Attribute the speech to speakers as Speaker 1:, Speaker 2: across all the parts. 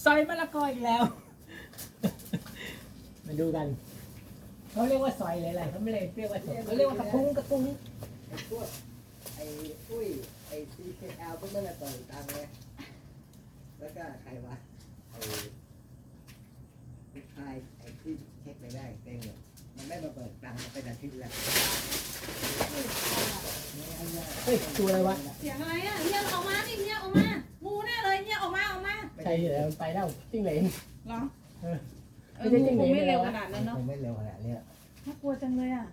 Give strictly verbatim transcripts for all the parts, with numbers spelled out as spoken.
Speaker 1: อยมะละกออีกแล้ว มาดูกันเขาเรียกว่าซอยอะไรๆเขาไม่เรียกว่าซอยเขาเรียกว่ากระทุ้งกระทุ้ง
Speaker 2: ไอ้พวกไอ้ปุ้ยไอ้ ซี เค แอล พวกนั้นน่ะต่อยตังค์เลยแล้วก็ใครวะไอ้ผู้ชายไอ้ที่เช็คไม่ได้เต็งเนี่ยมันไม่มาเปิดตังค์มาเป็นอาทิตย์แล้ว
Speaker 1: เฮ้ยตัวอะไรวะ
Speaker 3: เสียงอะไรอ่ะเฮียออกมาดิเฮียออกมางูแน่เลยเฮียออกมาออกมา
Speaker 1: ใช่เหรอมันไปแล้วจิ้งเหลน
Speaker 3: เหรอ
Speaker 1: เออ
Speaker 3: เอองูคงไม่เร็วขนาดนั้นเนาะ
Speaker 2: คงไม่เร็วขนาดนี้หรอก
Speaker 3: น่ากลัวจังเลยอ่ะ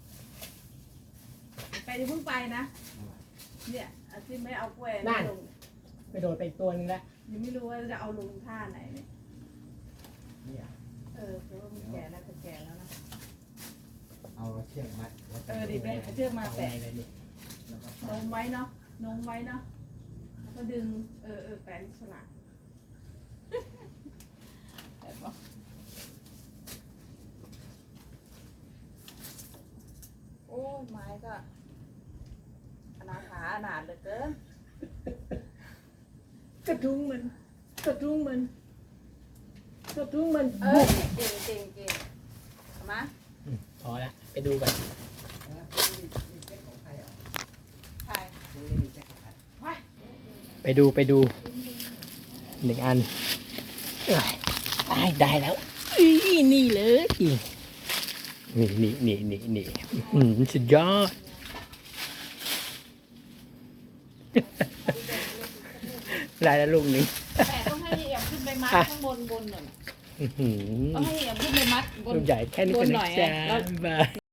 Speaker 3: ไปดิเพิ่งไปนะเนี่ยอาทิตย์ไม่เอากล้วยไม่ลง
Speaker 1: ไปโดดไปอีกตัวนึงแล้ว
Speaker 3: ยังไม่รู้ว่าจะเอาลงท่าไหนเนี่ย
Speaker 2: เนี่ย
Speaker 3: เออเพราะว่ามันแก่แล้วจะแก่แล้วนะ
Speaker 2: เอาเชือกมัดแล้ว
Speaker 3: เออดิแม่เอาเชือกมาแปะ
Speaker 1: อะไรนี่
Speaker 2: แล้วก็
Speaker 3: นมไว้เนาะนมไว้เนาะแล้วก็ดึงเออเออแปะฉลากแปะปะโอ้ยไม้ก็อนาถาอนาถเหลือเกิน
Speaker 1: กระทุ้งมันกระทุ้งมันกระทุ้งมัน
Speaker 3: เออเก่งเก่งเก่งเอามา
Speaker 1: อืมพอละไปดูกัน
Speaker 2: นะนี่นี่เช็คของใครอ่ะ
Speaker 3: ถ่าย
Speaker 2: นี่มีเช็คของใคร
Speaker 3: ไว้
Speaker 1: ไปดูไปดูหนึ่งอันเอ้ยได้ได้แล้วอีนี่เลยนี่นี่นี่นี่นี่อืมสุดยอด ได้แล้วลูกหนึง
Speaker 3: แต่ต้องให้เอี่ยมขึ้นไปมัดข้างบนบนหน่อย
Speaker 1: อื้อหือ
Speaker 3: ต้องให้เอี่ยมขึ้นไปมัดบน
Speaker 1: ลูกใหญ่แค่นี้
Speaker 3: บ
Speaker 1: ก็
Speaker 3: น
Speaker 1: นะ
Speaker 3: หน่อย
Speaker 1: จ๊ะ
Speaker 3: แล้ว
Speaker 1: บาย